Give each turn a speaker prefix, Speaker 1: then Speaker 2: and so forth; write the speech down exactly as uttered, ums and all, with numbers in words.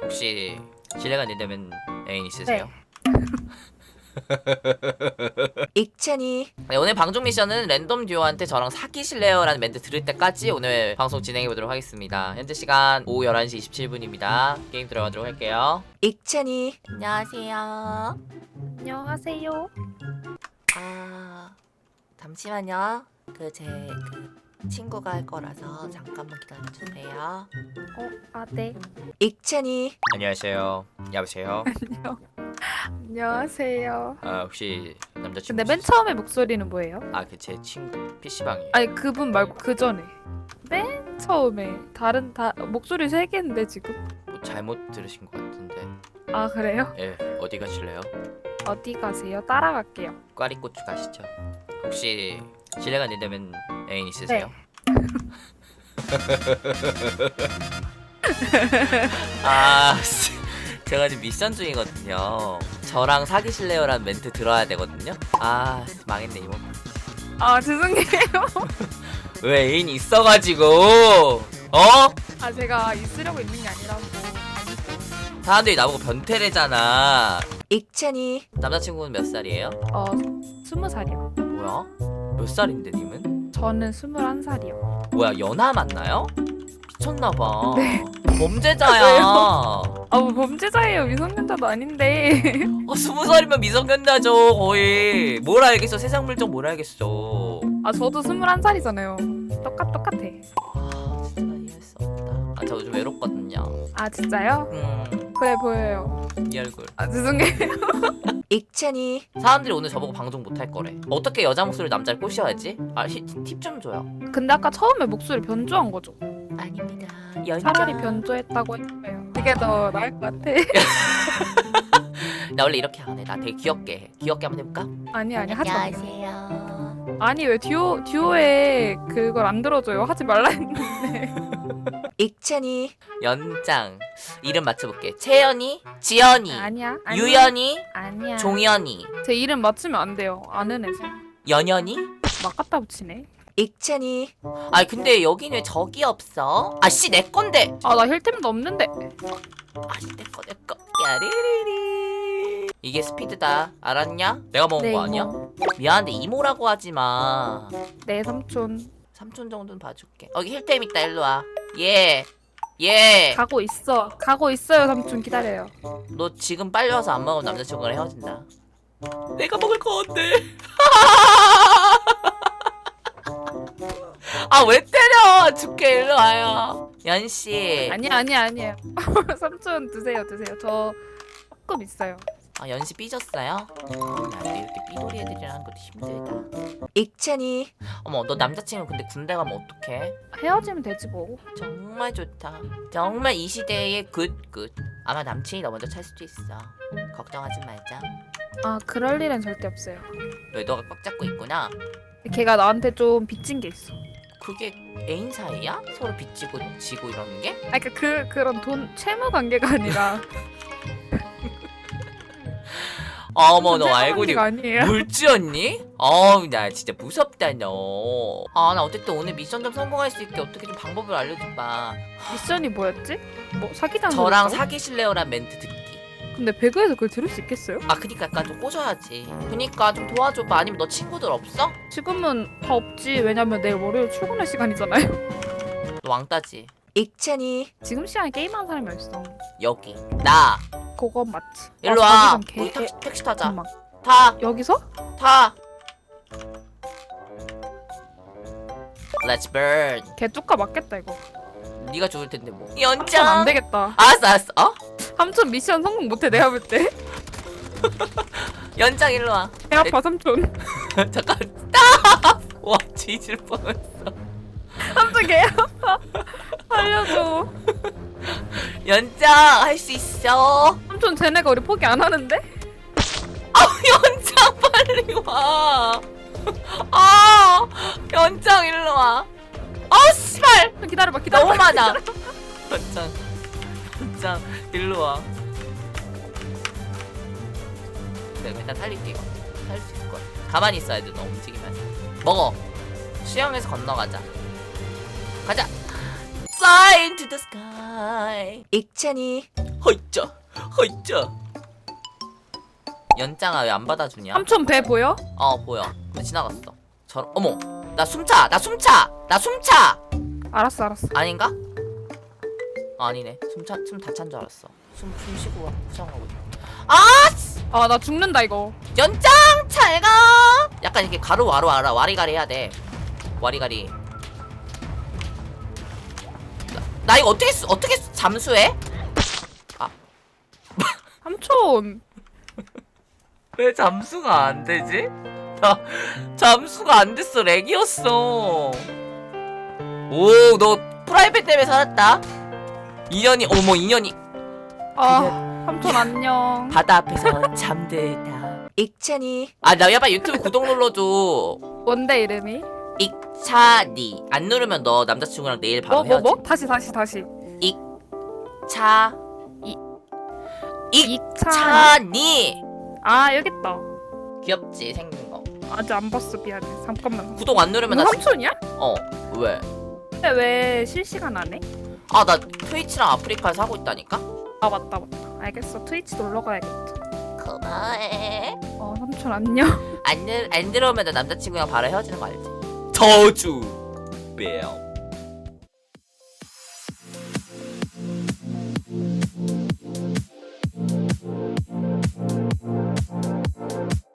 Speaker 1: 혹시 실례가 안 된다면 애인 있으세요? 익찬이. 네, 오늘 방송 미션은 랜덤 듀오한테 저랑 사귀실래요? 라는 멘트 들을 때까지 오늘 방송 진행해보도록 하겠습니다. 현재 시간 오후 열한 시 이십칠 분입니다 게임 들어가도록 할게요. 익찬이. 안녕하세요.
Speaker 2: 안녕하세요.
Speaker 1: 아... 잠시만요. 그 제 그 친구가 할 거라서 잠깐만 기다려주세요.
Speaker 2: 어, 아 네.
Speaker 1: 익찬이. 안녕하세요. 여보세요.
Speaker 2: 안녕하세요.
Speaker 1: 아 혹시 남자친구?
Speaker 2: 근데 맨 처음에 목소리는 뭐예요?
Speaker 1: 아 그 제 친구 피시방이에요.
Speaker 2: 아니 그분 말고 그 전에. 맨 처음에 다른 다 목소리 세 개인데 지금.
Speaker 1: 뭐 잘못 들으신 것 같은데.
Speaker 2: 아 그래요?
Speaker 1: 예, 어디 가실래요?
Speaker 2: 어디 가세요? 따라갈게요.
Speaker 1: 꽈리고추 가시죠. 혹시 실례가 안 된다면 애인 있으세요? 아 제가 지금 미션 중이거든요. 저랑 사귀실래요라는 멘트 들어야 되거든요. 아 망했네 이거.
Speaker 2: 아 죄송해요.
Speaker 1: 왜 애인 있어가지고 어?
Speaker 2: 아 제가 있으려고 있는 게 아니라고.
Speaker 1: 사람들이 나보고 변태래잖아. 익찬이. 남자친구는 몇 살이에요?
Speaker 2: 어 스무 살이요.
Speaker 1: 뭐야? 몇 살인데 님은?
Speaker 2: 저는 스물한 살이요.
Speaker 1: 뭐야 연하 맞나요? 미쳤나봐.
Speaker 2: 네.
Speaker 1: 범죄자야.
Speaker 2: 아뭐 범죄자예요. 미성년자도 아닌데.
Speaker 1: 어, 스무 살이면 미성년자죠 거의. 뭘 알겠어. 세상 물정 뭘 알겠어.
Speaker 2: 아 저도 스물한 살이잖아요. 똑같 똑같아.
Speaker 1: 아 진짜 이해할 수 없다. 아 저 요즘 외롭거든요.
Speaker 2: 아 진짜요?
Speaker 1: 음,
Speaker 2: 그래 보여요.
Speaker 1: 이 얼굴.
Speaker 2: 아 죄송해요.
Speaker 1: 익찬이. 사람들이 오늘 저보고 방송 못 할 거래. 어떻게 여자 목소리 남자를 꼬셔야지? 아 팁 좀 줘요.
Speaker 2: 근데 아까 처음에 목소리 변조한 거죠?
Speaker 1: 아닙니다.
Speaker 2: 차라리 변조했다고 했어요. 그게 더 나을 것 같아.
Speaker 1: 나 원래 이렇게 안 해. 나 되게 귀엽게 해. 귀엽게 한번 해볼까?
Speaker 2: 아니 아니 하지 마.
Speaker 1: 안녕하세요.
Speaker 2: 아니 왜 듀오 듀오에 그걸 안 들어줘요? 하지 말라 했는데.
Speaker 1: 익찬이. 연장. 이름 맞춰볼게. 채연이, 지연이,
Speaker 2: 아니야. 아니야.
Speaker 1: 유연이,
Speaker 2: 아니야.
Speaker 1: 종연이,
Speaker 2: 제 이름 맞추면 안 돼요. 아는 애서.
Speaker 1: 연연이.
Speaker 2: 막 갖다 붙이네.
Speaker 1: 익찬이. 아 근데 여긴 왜 적이 없어? 아씨 내 건데.
Speaker 2: 아 나 힐템도 없는데.
Speaker 1: 아씨 내거 내거. 야리리리. 이게 스피드다. 알았냐? 내가 먹은
Speaker 2: 네,
Speaker 1: 거 아니야?
Speaker 2: 이모.
Speaker 1: 미안한데 이모라고 하지 마.
Speaker 2: 네 삼촌.
Speaker 1: 삼촌 정도는 봐줄게. 여기 힐템 있다. 일로 와. 예. 예.
Speaker 2: 가고 있어. 가고 있어요 삼촌 기다려요.
Speaker 1: 너 지금 빨리 와서 안 먹으면 남자친구랑 헤어진다. 내가 먹을 건데. 아 왜 때려? 죽게 일로 와요. 연씨.
Speaker 2: 아니야 아니야 아니야. 삼촌 드세요 드세요. 저 조금 있어요.
Speaker 1: 아 연씨 삐졌어요? 어, 나도 이렇게 삐돌이 애들이랑 하는 것도 힘들다. 익찬이. 어머 너 남자친구 근데 군대 가면 어떡해?
Speaker 2: 헤어지면 되지 뭐.
Speaker 1: 정말 좋다. 정말 이 시대의 굿굿. 아마 남친이 너 먼저 찰 수도 있어. 걱정하지 말자.
Speaker 2: 아 그럴 일은 절대 없어요.
Speaker 1: 왜 너가 꽉 잡고 있구나.
Speaker 2: 걔가 나한테 좀 빚진 게 있어.
Speaker 1: 그게 애인 사이야? 서로 빚지고 지고 이러는 게?
Speaker 2: 아 그러니까 그 그런 돈 채무 관계가 아니라.
Speaker 1: 어머 너
Speaker 2: 채무
Speaker 1: 알고 니
Speaker 2: 관계가 아니에요.
Speaker 1: 물쥐였니? 어우 나 진짜 무섭다 너. 아 나 어쨌든 오늘 미션 좀 성공할 수 있게 어떻게 좀 방법을 알려줘봐.
Speaker 2: 미션이 뭐였지? 뭐 사기당.
Speaker 1: 저랑
Speaker 2: 그랬다고?
Speaker 1: 사귀실래요란 멘트 듣기.
Speaker 2: 근데 배그에서 그걸 들을 수 있겠어요?
Speaker 1: 아 그니까 약간 좀 꼬셔야지. 그니까 좀 도와줘봐. 아니면 너 친구들 없어?
Speaker 2: 지금은 다 없지. 왜냐면 내일 월요일 출근할 시간이잖아요.
Speaker 1: 너 왕따지. 익찬이.
Speaker 2: 지금 시간에 게임하는 사람이 어딨어.
Speaker 1: 여기 나
Speaker 2: 그건 맞지.
Speaker 1: 일로
Speaker 2: 아,
Speaker 1: 와.
Speaker 2: 자기장 개-
Speaker 1: 우리 택시, 택시 타자.
Speaker 2: 잠깐만.
Speaker 1: 타.
Speaker 2: 여기서?
Speaker 1: 타. Let's burn.
Speaker 2: 개 뚜까 맞겠다 이거.
Speaker 1: 네가 죽을 텐데 뭐.
Speaker 2: 삼촌 안
Speaker 1: 연장.
Speaker 2: 되겠다.
Speaker 1: 알았어 알았어. 어?
Speaker 2: 삼촌 미션 성공 못해 내가 볼 때.
Speaker 1: 연장 일로 와.
Speaker 2: 배 아파 삼촌.
Speaker 1: 잠깐. 딱. 와 뒤질 뻔했어.
Speaker 2: 삼촌 개 아파. 살려줘.
Speaker 1: 연장 할 수 있어.
Speaker 2: 삼촌 쟤네가 우리 포기 안 하는데?
Speaker 1: 아 연장 빨리 와. 아 연장 일로 와. 아 씨발.
Speaker 2: 좀 기다려봐 기다려봐.
Speaker 1: 너무 많아. 연장 연장 일로 와. 내가 일단 살릴게 이거. 살릴 수 있을 거야. 가만히 있어야 돼 너 움직이면. 먹어. 수영해서 건너가자. 가자. 쏴. High into the sky. 익찬이 허이짜 허이짜. 연장아 왜 안 받아주냐?
Speaker 2: 삼촌 배 보여?
Speaker 1: 어 보여. 근데 지나갔어. 저 어머 나 숨차 나 숨차 나 숨차.
Speaker 2: 알았어 알았어.
Speaker 1: 아닌가? 어, 아니네. 숨차 숨 다 찬 줄 알았어. 숨 숨 쉬고 포장하고 있다. 아 씨!
Speaker 2: 아 나 죽는다 이거.
Speaker 1: 연장 잘가. 약간 이렇게 가로 와로 알아 와리가리 해야 돼. 와리가리. 나, 나 이거 어떻게 쓰, 어떻게 쓰, 잠수해?
Speaker 2: 삼촌.
Speaker 1: 왜 잠수가 안 되지? 나 잠수가 안 됐어. 렉이었어. 오, 너 프라이팬 때문에 살았다. 인연이 어머 인연이
Speaker 2: 아 삼촌 안녕.
Speaker 1: 바다 앞에서 잠들다. 익찬이. 아, 나 야봐 유튜브 구독 눌러줘.
Speaker 2: 뭔데 이름이?
Speaker 1: 익찬이. 안 누르면 너 남자친구랑 내일 바로
Speaker 2: 뭐 뭐
Speaker 1: 헤어지.
Speaker 2: 뭐? 다시 다시 다시.
Speaker 1: 차.
Speaker 2: 이-
Speaker 1: 익.
Speaker 2: 이차.
Speaker 1: 찬이.
Speaker 2: 아 여기 있다.
Speaker 1: 귀엽지 생긴 거.
Speaker 2: 아직 안 봤어 미안해. 잠깐만.
Speaker 1: 구독 안 누르면
Speaker 2: 너
Speaker 1: 나.
Speaker 2: 삼촌이야?
Speaker 1: 어 왜?
Speaker 2: 근데 왜 실시간 안 해?
Speaker 1: 아 나 트위치랑 아프리카에서 하고 있다니까.
Speaker 2: 아 맞다 맞다. 알겠어. 트위치 놀러 가야겠다.
Speaker 1: 고마워해.
Speaker 2: 어 삼촌 안녕.
Speaker 1: 안, 들, 안 들어오면 나 남자친구랑 바로 헤어지는 거 알지? 저주. 뺨.